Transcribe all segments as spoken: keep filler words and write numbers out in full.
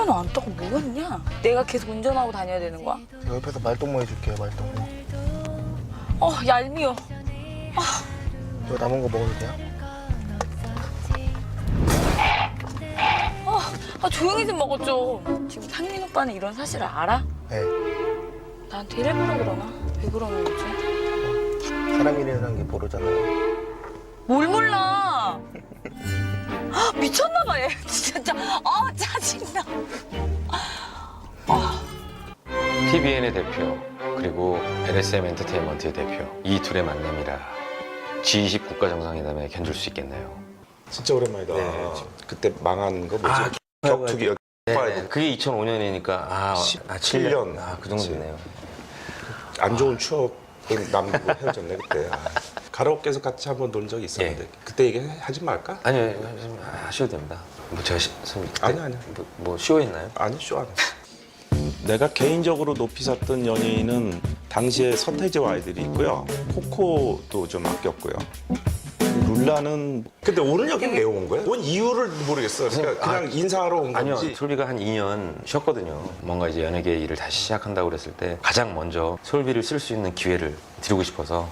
카메라는 안 따고 뭐 했냐? 내가 계속 운전하고 다녀야 되는 거야? 제가 옆에서 말동무 해줄게요, 말동무. 어, 얄미워. 저 남은 거 먹어도 돼요? 어, 아, 조용히 좀 먹어줘. 지금 상민 오빠는 이런 사실을 알아? 네. 나한테 이래보라 그러나? 왜 그러는 거지? 사람이라는 게 모르잖아요. 뭘 몰라? 아, 미쳤나 봐, 얘. 진짜. 아, 짜증나. 티비엔의 대표 그리고 엘에스엠 엔터테인먼트의 대표 이 둘의 만남이라 지 이십 국가정상회담에 견줄 수 있겠네요. 진짜 오랜만이다. 네. 그때 망한 거 뭐지? 아, 격투기 여- 네네. 그게 이천오 년이니까 아, 아 칠 년. 아, 그 정도 됐네요. 안 좋은 추억을 남기고 헤어졌네 그때. 아. 가라오케에서 같이 한번 논 적이 있었는데 예. 그때 얘기하지 말까? 아니요, 좀 하셔도 됩니다. 뭐 제가 시, 선생님 그때 아니, 아니. 뭐, 뭐 쇼했나요? 아니 쇼 안 했어. 내가 개인적으로 높이 샀던 연예인은 당시에 서태지와 아이들이 있고요. 코코도 좀 아꼈고요. 룰라는 근데 오늘 여기 왜 온 거야? 온 이유를 모르겠어. 그러니까 그냥 인사하러 온 아니요, 건지. 솔비가 한 이 년 쉬었거든요. 뭔가 이제 연예계 일을 다시 시작한다고 그랬을 때 가장 먼저 솔비를 쓸 수 있는 기회를 드리고 싶어서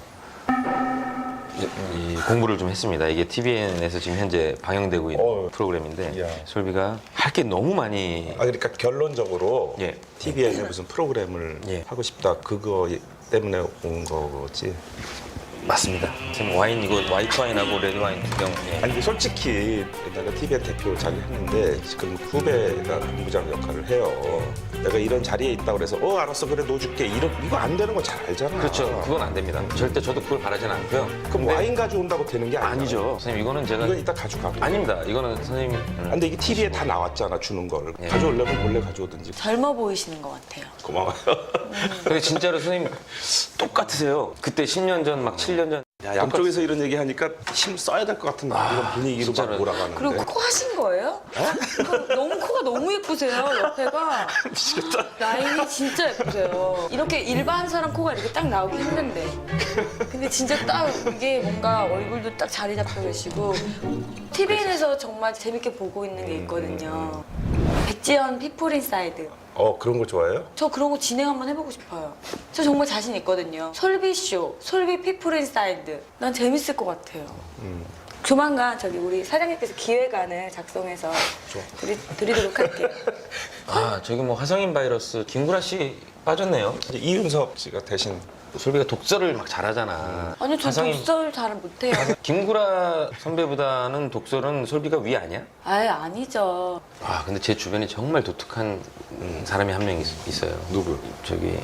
이, 이 공부를 좀 했습니다. 이게 티비엔에서 지금 현재 방영되고 있는 어. 프로그램인데 야. 솔비가 할 게 너무 많이 아 그러니까 결론적으로 예. 티비엔에 무슨 프로그램을 예. 하고 싶다 그거 때문에 온 거지. 맞습니다. 지금 와인 이거 화이트 와인하고 레드 와인 두 병. 예. 아니 근데 솔직히 내가 티비엔 대표 자리 했는데 지금 후배가 본부장 역할을 해요. 내가 이런 자리에 있다고 그래서 어 알았어 그래 넣어줄게 이런 이거 안 되는 거 잘 알잖아. 그렇죠. 그건 안 됩니다. 절대 저도 그걸 바라진 않고요. 그럼 근데 와인 가져온다고 되는 게 아니야. 아니죠. 선생님 이거는 제가 이건 이따 가져가. 아닙니다. 이거는 선생님이 아, 근데 이게 티비에 다 나왔잖아 주는 걸. 예. 가져오려면 몰래 가져오든지. 젊어 보이시는 것 같아요. 고마워요. 근데 진짜로 선생님 똑같으세요. 그때 십 년 전 막 칠 년 전. 야, 양쪽에서 이런 얘기 하니까 힘 써야 될 것 같은 이런 분위기로 막 진짜로. 몰아가는데. 그리고 코 하신 거예요? 그 너무 코가 너무 예쁘세요, 옆에가. 미치겠다. 라인이 진짜 예쁘세요. 이렇게 일반 사람 코가 이렇게 딱 나오기 힘든데. 근데 진짜 딱 이게 뭔가 얼굴도 딱 자리 잡혀 계시고. 티비엔에서 정말 재밌게 보고 있는 게 있거든요. 백지연 피플 인사이드. 어 그런 거 좋아해요? 저 그런 거 진행 한번 해보고 싶어요. 저 정말 자신 있거든요. 솔비쇼, 솔비 피플 인사이드. 난 재밌을 것 같아요. 음. 조만간 저기 우리 사장님께서 기획안을 작성해서 드리, 드리도록 할게요. 아 저기 뭐 화성인 바이러스 김구라 씨 빠졌네요. 이제 이윤석 씨가 대신 솔비가 독서를 막 잘하잖아. 아니요, 저 화성인- 독서를 잘 못해요. 김구라 선배보다는 독서는 솔비가 위 아니야? 아예 아니죠. 아 근데 제 주변에 정말 독특한 음, 사람이 한 명 있어요. 누구? 저기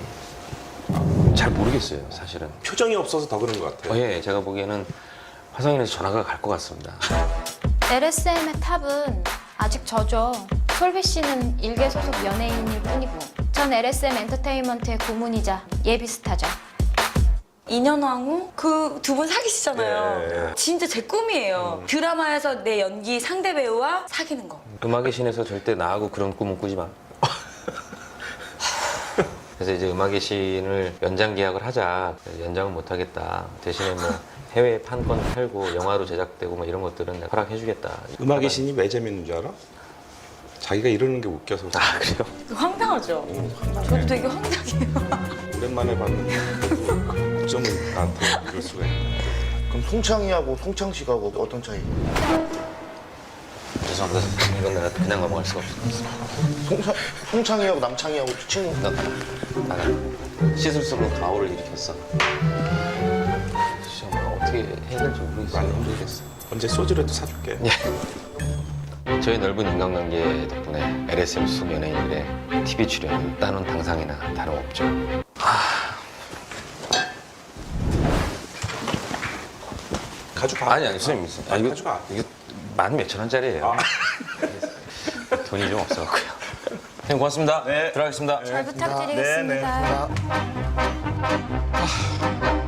잘 모르겠어요 사실은. 표정이 없어서 더 그런 것 같아요. 어, 예, 제가 보기에는 화성인에서 전화가 갈 것 같습니다. 엘에스엠의 탑은 아직 저죠. 솔비 씨는 일개 소속 연예인일 뿐이고 전 엘에스엠 엔터테인먼트의 고문이자 예비 스타죠. 이 년 왕후 그 두 분 사귀시잖아요. 네. 진짜 제 꿈이에요. 드라마에서 내 연기 상대 배우와 사귀는 거. 음악의 신에서 절대 나하고 그런 꿈은 꾸지 마. 그래서 이제 음악의 신을 연장 계약을 하자. 연장은 못 하겠다. 대신에 뭐 해외 판권 팔고 영화로 제작되고 뭐 이런 것들은 내가 허락해주겠다. 음악의 신이 왜 재밌는 줄 알아? 자기가 이러는 게 웃겨서. 아 그래요? 황당하죠? 저도 되게 황당해요. 오랜만에 봤는데 어쩌면 나한테 이럴 수가 있나. 그럼 송창이하고 송창 씨하고 어떤 차이? 죄송합니다. 이건 내가 그냥 넘어갈 수가 없어. 송창, 송창이하고 남창이하고 친구. 나 나가. 시술술로 가오를 일으켰어. 정말 어떻게 해야 될지 모르겠어요. 많이 힘들겠어. 언제 소주라도 사줄게. 저희 넓은 인간관계 덕분에 엘에스엠 소속 연예인들의 티비 출연은 따놓은 당상이나 다름없죠. 가져가. 아니 아니 선생님, 아, 이거 가져가. 이게 만 몇천 원짜리예요. 돈이 좀 없어갖고요. 선생님 고맙습니다. 네. 들어가겠습니다. 잘 부탁드리겠습니다. 네, 네. 아,